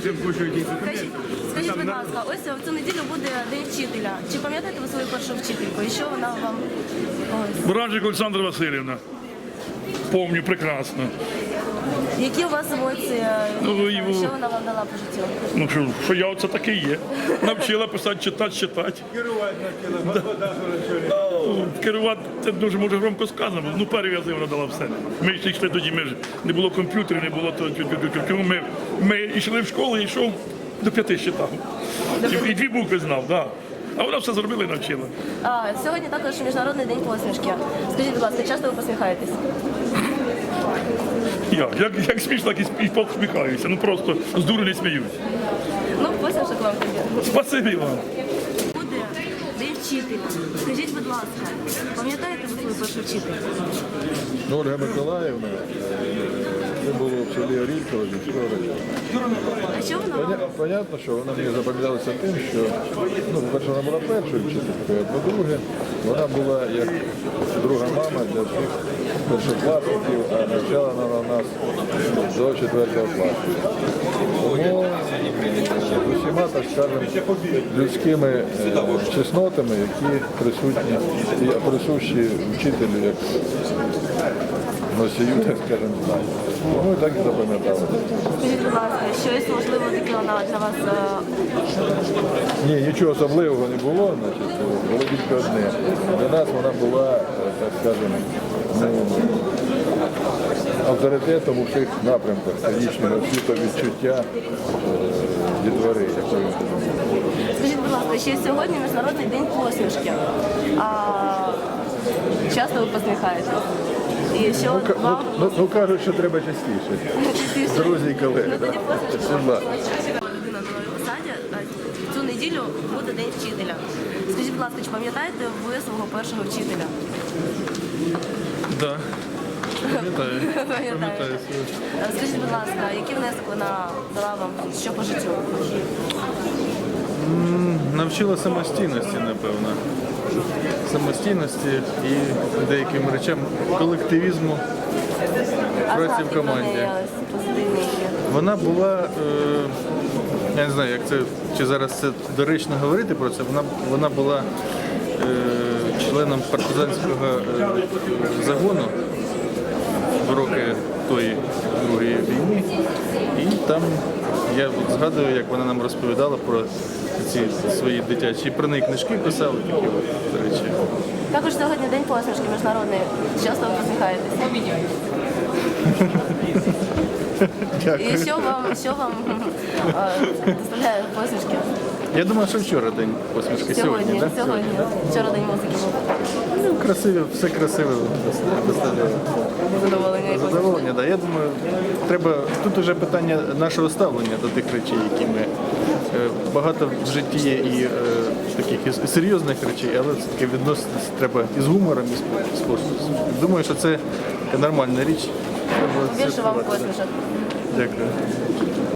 Скажіть, будь ласка, ось в цю неділю буде День вчителя. Чи пам'ятаєте ви свою першу вчительку? І що вона вам... Бражик Олександра Васильівна. Помню прекрасно. Які у вас емоції? Що вона вам дала по життю? Ну що я оце таке є. Навчила писати, читати. Керувати навчила. Керувати, це дуже може громко сказано. Ну, перев'язи вона дала все. Ми ще йшли тоді, не було комп'ютерів, не було того. Ми йшли в школу і йшов до 5 читав. І 2 букви знав, так. А вона все зробила і навчила. Сьогодні також Міжнародний день посмішки. Скажіть, будь ласка, часто ви посміхаєтесь? Як смішно, так і посміхаюся. Ну просто з дуру не сміюсь. Ну, посмішок вам тоді. Спасибі вам. Буде День вчителя. Скажіть, будь ласка, пам'ятаєте ви свою першу вчительку? Ольга Миколаївна, це було в селі Оріхово, зі школи. А що вона вам? Понятно, що вона мені запам'яталася тим, що, по-перше, вона була першою вчителькою, а по-друге, вона була як друга мама для всіх першокласників, а навчала вона нас до 4 класу. Тому з усіма, так скажемо, людськими чеснотами, які присутні і присущі вчителю, як носію, так скажемо, знань. Тому і так і запам'ятали. Скажіть, будь ласка, щось можливо таке вона для вас? Ні, нічого особливого не було, значить, було тільки одне. Для нас вона була, так скажемо, авторитетом у всіх напрямках стратегічного світовідчуття дітвори, якої. Скажіть, будь ласка, ще сьогодні Міжнародний день посмішки. Часто ви посміхаєтесь? І що вам? Ну, кажуть, що треба частіше. Друзі і колеги. Ну, тоді посмішка. Будь ласка. Людина на новій посаді, в цю неділю буде День вчителя. Скажіть, будь ласка, чи пам'ятаєте ви свого першого вчителя? Так, пам'ятаю. Скажіть, будь ласка, який внесок вона дала вам, що по життю? Навчила самостійності, напевно. Самостійності і деяким речам колективізму, праці в команді. Вона була, я не знаю, як це, чи зараз це доречно говорити про це, вона була членом партизанського загону в роки тої Другої війни. І там я згадую, як вона нам розповідала про ці свої дитячі, про неї книжки писали, такі речі. Також сьогодні День посмішки міжнародний. Часто ви посміхаєтесь? Дякую. І що вам доставляє посмішки? Я думаю, що вчора день посмішки. Сьогодні, так? Сьогодні. Вчора День музики був. Ну, красиві, все красиве доставляє. Задоволення, так. Я думаю, треба, тут вже питання нашого ставлення до тих речей, які ми, багато в житті є і таких і серйозних речей, але все-таки відноситися треба і з гумором, і з посмішкою. Думаю, що це нормальна річ. Більше вам посмішок. Дякую.